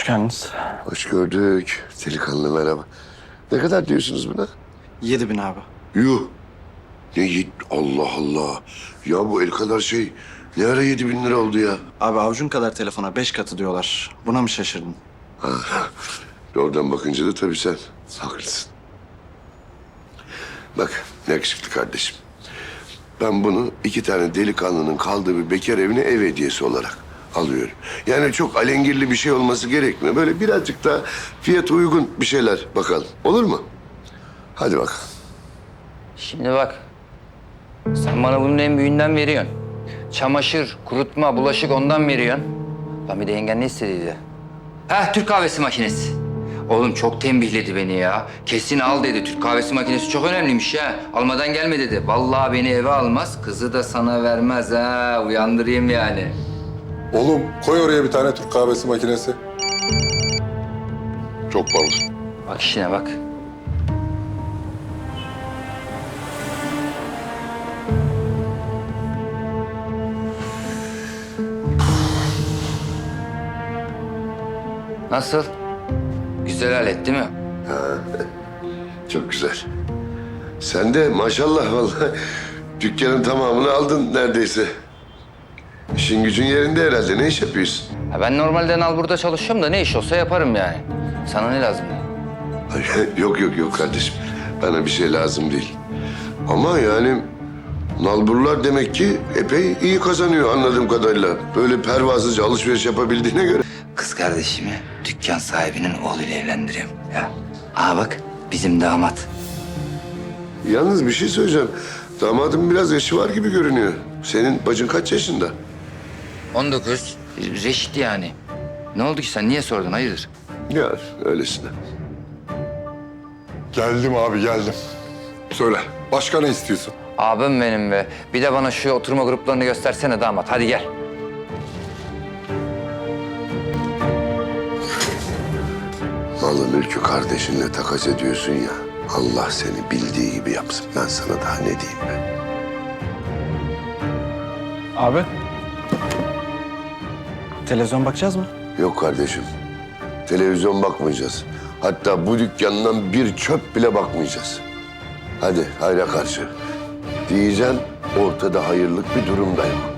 geldiniz. Hoş gördük. Delikanlı merhaba. Ne kadar diyorsunuz buna? 7.000 abi. Yuh. Allah Allah. Ya bu el kadar şey ne ara 7.000 lira oldu ya? Abi avucun kadar telefona 5 katı diyorlar. Buna mı şaşırdın? Oradan bakınca da tabii sen haklısın. Bak yakışıklı kardeşim. Ben bunu 2 tane delikanlının kaldığı bir bekar evine ev hediyesi olarak alıyorum. Yani çok alengirli bir şey olması gerekmiyor. Böyle birazcık da fiyat uygun bir şeyler bakalım. Olur mu? Hadi bakalım. Şimdi bak, sen bana bunun en büyüğünden veriyorsun. Çamaşır, kurutma, bulaşık ondan veriyorsun. Lan bir de yengen ne istediydi? Heh, Türk kahvesi makinesi. Oğlum çok tembihledi beni ya. Kesin al dedi. Türk kahvesi makinesi çok önemliymiş ya. Almadan gelme dedi. Vallahi beni eve almaz, kızı da sana vermez ha. Uyandırayım yani. Oğlum koy oraya bir tane Türk kahvesi makinesi. Çok pahalı. Bak işine bak. Nasıl? Güzel alet değil mi? Çok güzel. Sen de maşallah vallahi dükkanın tamamını aldın neredeyse. İşin gücün yerinde herhalde. Ne iş yapıyorsun? Ha, ben normalde Nalbur'da çalışıyorum da ne iş olsa yaparım yani. Sana ne lazım? Yok kardeşim. Bana bir şey lazım değil. Ama yani nalburlar demek ki epey iyi kazanıyor anladığım kadarıyla. Böyle pervasızca alışveriş yapabildiğine göre. Kız kardeşimi dükkan sahibinin oğluyla evlendiriyorum ya. Aa bak bizim damat. Yalnız bir şey söyleyeceğim. Damadın biraz yaşı var gibi görünüyor. Senin bacın kaç yaşında? 19. Reşit yani. Ne oldu ki sen niye sordun hayırdır? Ya öylesine. Geldim abi geldim. Söyle başka ne istiyorsun? Abim benim be. Bir de bana şu oturma gruplarını göstersene damat. Hadi gel. Malı mülkü kardeşinle takas ediyorsun ya. Allah seni bildiği gibi yapsın. Ben sana daha ne diyeyim ben? Abi. Televizyon bakacağız mı? Yok kardeşim. Televizyon bakmayacağız. Hatta bu dükkandan bir çöp bile bakmayacağız. Hadi hayra karşı. Diyeceğim ortada hayırlık bir durum da yok.